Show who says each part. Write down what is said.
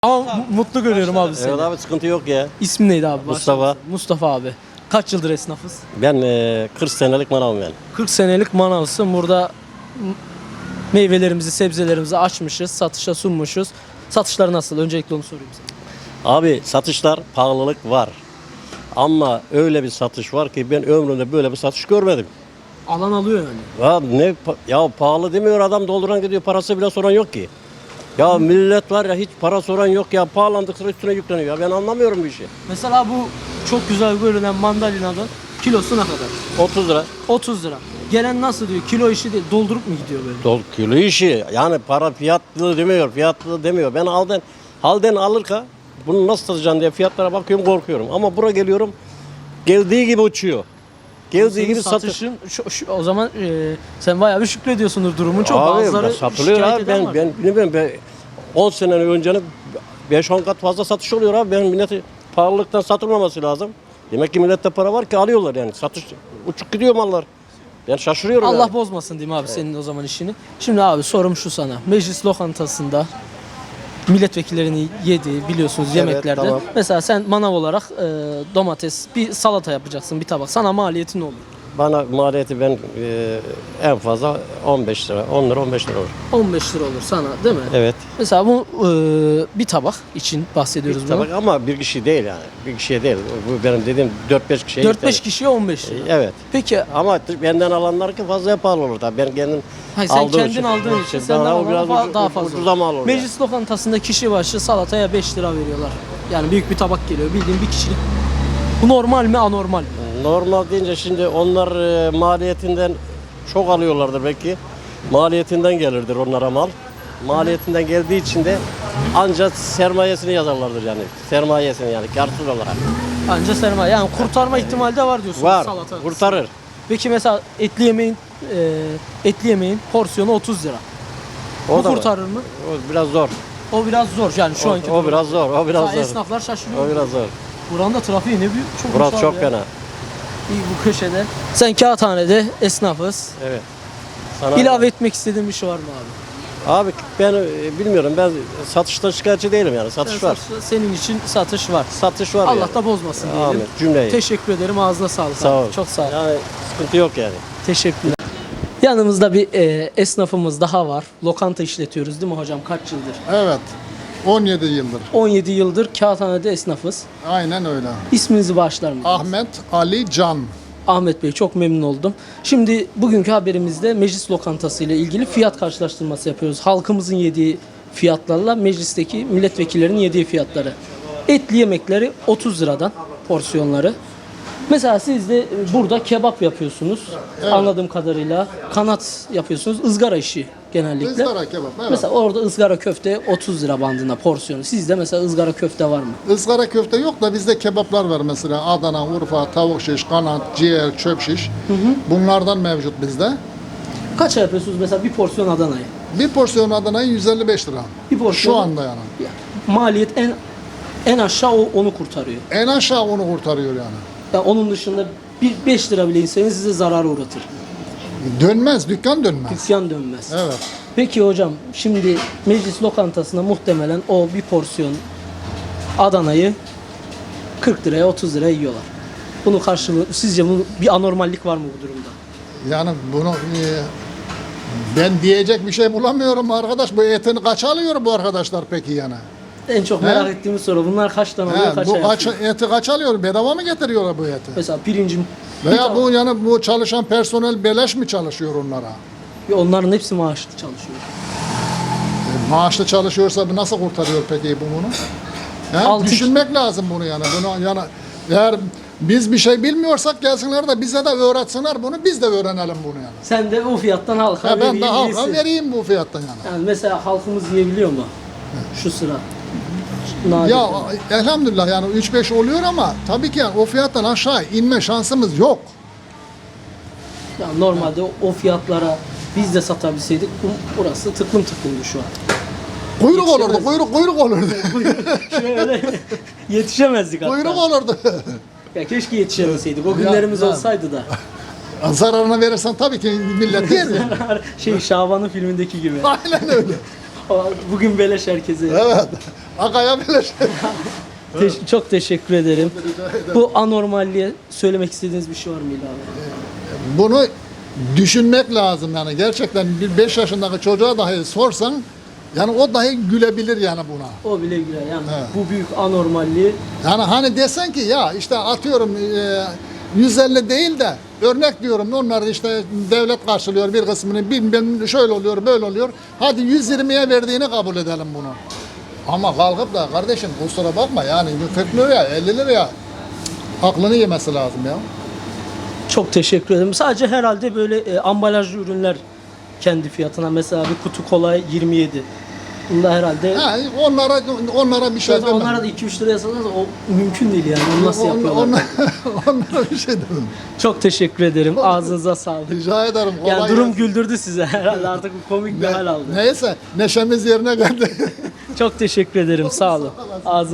Speaker 1: Ama mutlu görüyorum abi seni.
Speaker 2: Evet abi sıkıntı yok ya.
Speaker 1: İsmin neydi abi?
Speaker 2: Mustafa.
Speaker 1: Mustafa abi. Kaç yıldır esnafız?
Speaker 2: Ben 40 senelik manavım yani.
Speaker 1: 40 senelik manavsın. Burada meyvelerimizi, sebzelerimizi açmışız, satışa sunmuşuz. Satışlar nasıl? Öncelikle onu sorayım sana.
Speaker 2: Abi satışlar pahalılık var. Ama öyle bir satış var ki ben ömrümde böyle bir satış görmedim.
Speaker 1: Alan alıyor yani.
Speaker 2: Ya pahalı demiyor adam, dolduran gidiyor, parası bile soran yok ki. Ya millet var ya, hiç para soran yok ya, pahalandıkça üstüne yükleniyor ya, ben anlamıyorum bu işi.
Speaker 1: Mesela bu çok güzel görünen mandalinanın kilosu ne kadar?
Speaker 2: 30 lira.
Speaker 1: 30 lira. Gelen nasıl diyor? Kilo işi değil, doldurup mu gidiyor böyle?
Speaker 2: Kilo işi yani, para fiyatlı demiyor. Ben halden alırken bunu nasıl satacağım diye fiyatlara bakıyorum, korkuyorum. Ama buraya geliyorum, geldiği gibi uçuyor. Geldiği
Speaker 1: Senin
Speaker 2: gibi
Speaker 1: satışın o zaman sen bayağı bir şükrediyorsundur durumun çok.
Speaker 2: Abi
Speaker 1: Bazıları
Speaker 2: satılıyor
Speaker 1: şikayet
Speaker 2: abi,
Speaker 1: eden var.
Speaker 2: ben bilmiyorum, 10 sene öncenin 5-10 kat fazla satış oluyor abi. Ben milleti pahalılıktan satılmaması lazım. Demek ki millette para var ki alıyorlar yani. Satış uçuk gidiyor mallar. Ben şaşırıyorum
Speaker 1: Allah
Speaker 2: yani.
Speaker 1: bozmasın diyeyim abi senin o zaman işini. Şimdi abi sorum şu sana. Meclis lokantasında milletvekillerinin yediği biliyorsunuz yemeklerde.
Speaker 2: tamam.
Speaker 1: Mesela sen manav olarak domates, bir salata yapacaksın, bir tabak. Sana maliyeti ne olur?
Speaker 2: Bana maliyeti ben en fazla 15 lira, 10 lira 15 lira olur.
Speaker 1: 15 lira olur sana değil mi?
Speaker 2: Evet.
Speaker 1: Mesela bu bir tabak için bahsediyoruz bunu.
Speaker 2: Tabii ama bir kişi değil yani. Bir kişiye değil. Bu benim dediğim 4-5 kişiye
Speaker 1: 4-5 kişiye 15 lira.
Speaker 2: Evet.
Speaker 1: Peki
Speaker 2: Ama benden alanlar ki fazla pahalı olur tabii. Ben kendim
Speaker 1: hayır, sen kendin aldığın için senden
Speaker 2: daha
Speaker 1: alana daha fazla.
Speaker 2: ucuza mal olur.
Speaker 1: Meclis lokantasında kişi başı salataya 5 lira veriyorlar. Yani büyük bir tabak geliyor. Bildiğin bir kişilik. Bu normal mi, anormal mi?
Speaker 2: Normal deyince şimdi onlar maliyetinden çok alıyorlardır belki. Maliyetinden gelirdir onlara mal. Maliyetinden geldiği için de ancak sermayesini yazarlardır yani. Sermayesini yani karsız olarak.
Speaker 1: Anca sermaye. Yani kurtarma ihtimali de var diyorsun.
Speaker 2: Var.
Speaker 1: Salata.
Speaker 2: Kurtarır.
Speaker 1: Peki mesela etli yemeğin porsiyonu 30 lira.
Speaker 2: O
Speaker 1: Bu
Speaker 2: da var.
Speaker 1: kurtarır mı?
Speaker 2: O biraz zor.
Speaker 1: O biraz zor yani şu anki.
Speaker 2: O biraz zor. O biraz
Speaker 1: Mesela
Speaker 2: zor.
Speaker 1: esnaflar şaşırıyor.
Speaker 2: O biraz zor.
Speaker 1: Buranın da trafiği ne büyük. Çok
Speaker 2: Burası
Speaker 1: uçlar
Speaker 2: çok
Speaker 1: ya.
Speaker 2: fena.
Speaker 1: İyi bu köşede. Sen Kağıthane'de esnafız.
Speaker 2: Evet. Sana
Speaker 1: İlave etmek istediğin bir şey var mı abi?
Speaker 2: Abi ben bilmiyorum. Ben satışta şikayetçi değilim yani. Satış var.
Speaker 1: Senin için satış var.
Speaker 2: Satış var
Speaker 1: Allah
Speaker 2: yani.
Speaker 1: da bozmasın diyelim.
Speaker 2: Amin. Cümleyi.
Speaker 1: Teşekkür ederim. Ağzına sağlık.
Speaker 2: Sağ
Speaker 1: abi.
Speaker 2: ol.
Speaker 1: Çok sağ ol.
Speaker 2: Yani sıkıntı yok yani.
Speaker 1: Teşekkürler. Yanımızda bir esnafımız daha var. Lokanta işletiyoruz değil mi hocam? Kaç yıldır?
Speaker 3: Evet. 17 yıldır.
Speaker 1: 17 yıldır Kağıthane'de esnafız.
Speaker 3: Aynen öyle.
Speaker 1: İsminizi bağışlar mısınız?
Speaker 3: Ahmet Ali Can.
Speaker 1: Ahmet Bey, çok memnun oldum. Şimdi bugünkü haberimizde meclis lokantası ile ilgili fiyat karşılaştırması yapıyoruz. Halkımızın yediği fiyatlarla meclisteki milletvekillerinin yediği fiyatları. Etli yemekleri 30 liradan porsiyonları. Mesela siz de burada kebap yapıyorsunuz.
Speaker 3: Evet.
Speaker 1: Anladığım kadarıyla kanat yapıyorsunuz. Izgara işi genellikle.
Speaker 3: Izgara kebap. Evet.
Speaker 1: Mesela orada ızgara köfte 30 lira bandında porsiyonu. Sizde mesela ızgara köfte var mı?
Speaker 3: Izgara köfte yok da bizde kebaplar var mesela. Adana, Urfa, tavuk şiş, kanat, ciğer, çöp şiş. Bunlardan mevcut bizde.
Speaker 1: Kaça yapıyorsunuz mesela bir porsiyon Adana'yı?
Speaker 3: Bir porsiyon Adana'yı 155 lira.
Speaker 1: Bir porsiyon.
Speaker 3: Şu anda yani.
Speaker 1: Maliyet en aşağı onu kurtarıyor.
Speaker 3: En aşağı onu kurtarıyor yani.
Speaker 1: Yani onun dışında bir 5 lira bile inseniz size zarar uğratır.
Speaker 3: Dönmez, dükkan dönmez.
Speaker 1: Dükkan dönmez.
Speaker 3: Evet.
Speaker 1: Peki hocam şimdi meclis lokantasında muhtemelen o bir porsiyon Adana'yı 40 liraya 30 liraya yiyorlar. Bunun karşılığı sizce bir anormallik var mı bu durumda?
Speaker 3: Yani bunu ben diyecek bir şey bulamıyorum arkadaş. Bu etini kaç alıyor bu arkadaşlar peki yani?
Speaker 1: En çok merak ettiğim soru bunlar kaçtan alıyor kaça
Speaker 3: Bu
Speaker 1: yapıyor?
Speaker 3: eti kaç alıyor? Bedava mı getiriyorlar bu eti?
Speaker 1: Mesela pirincim
Speaker 3: Veya bu yani bu çalışan personel beleş mi çalışıyor onlara?
Speaker 1: onların hepsi maaşlı çalışıyor.
Speaker 3: Maaşlı çalışıyorsa bu nasıl kurtarıyor peki bu bunu?
Speaker 1: Altı-
Speaker 3: Düşünmek lazım bunu yani. Bunu yani eğer biz bir şey bilmiyorsak gelsinler de bize de öğretsinler bunu, biz de öğrenelim bunu yani.
Speaker 1: Sen de o fiyattan halka
Speaker 3: Ben
Speaker 1: vereyim
Speaker 3: de halka
Speaker 1: iyisin.
Speaker 3: vereyim bu fiyattan yani.
Speaker 1: Yani mesela halkımız yiyebiliyor mu? Şu sıra. Nadir.
Speaker 3: Ya elhamdülillah yani 3-5 oluyor ama tabii ki yani o fiyattan aşağı inme şansımız yok.
Speaker 1: Yani normalde o fiyatlara biz de satabilseydik burası tıklım tıklımdı şu an.
Speaker 3: Kuyruk
Speaker 1: Yetişemez.
Speaker 3: olurdu, kuyruk olurdu.
Speaker 1: Şöyle yetişemezdik hatta.
Speaker 3: Kuyruk olurdu.
Speaker 1: Ya keşke yetişemeseydik. O günlerimiz
Speaker 3: ya.
Speaker 1: olsaydı da.
Speaker 3: Zararına verirsen tabii ki millet yer ya.
Speaker 1: Şaban'ın filmindeki gibi.
Speaker 3: Aynen öyle.
Speaker 1: Bugün beleş herkese.
Speaker 3: Evet. Akaya bile şey.
Speaker 1: Çok teşekkür ederim. Bu anormalliğe söylemek istediğiniz bir şey var mı İlhan abi?
Speaker 3: Bunu düşünmek lazım yani. Gerçekten bir 5 yaşındaki çocuğa dahi sorsan yani o dahi gülebilir yani buna.
Speaker 1: O bile güler yani
Speaker 3: Evet.
Speaker 1: bu büyük anormalliği.
Speaker 3: Yani hani desen ki ya işte atıyorum 150 değil de örnek diyorum onlar işte devlet karşılıyor bir kısmını bilmem şöyle oluyor böyle oluyor. Hadi 120'ye verdiğini kabul edelim bunu. Ama kalkıp da kardeşim kusura bakma yani 40 liraya 50 liraya aklını yemesi lazım ya.
Speaker 1: Çok teşekkür ederim. Sadece herhalde böyle ambalajlı ürünler kendi fiyatına mesela bir kutu kola 27. Bunda herhalde
Speaker 3: Ha, onlara bir şey
Speaker 1: zaten
Speaker 3: demem.
Speaker 1: onlara da 2-3 liraya satsanız o mümkün değil yani. Onu nasıl yapıyorlar?
Speaker 3: Onlara bir şey demem.
Speaker 1: Çok teşekkür ederim. Ağzınıza sağlık.
Speaker 3: Rica ederim.
Speaker 1: Yani
Speaker 3: kolay
Speaker 1: durum
Speaker 3: gelsin.
Speaker 1: güldürdü size herhalde artık komik bir hal aldı.
Speaker 3: Neyse neşemiz yerine geldi.
Speaker 1: Çok teşekkür ederim. Sağ olun. Ağzınıza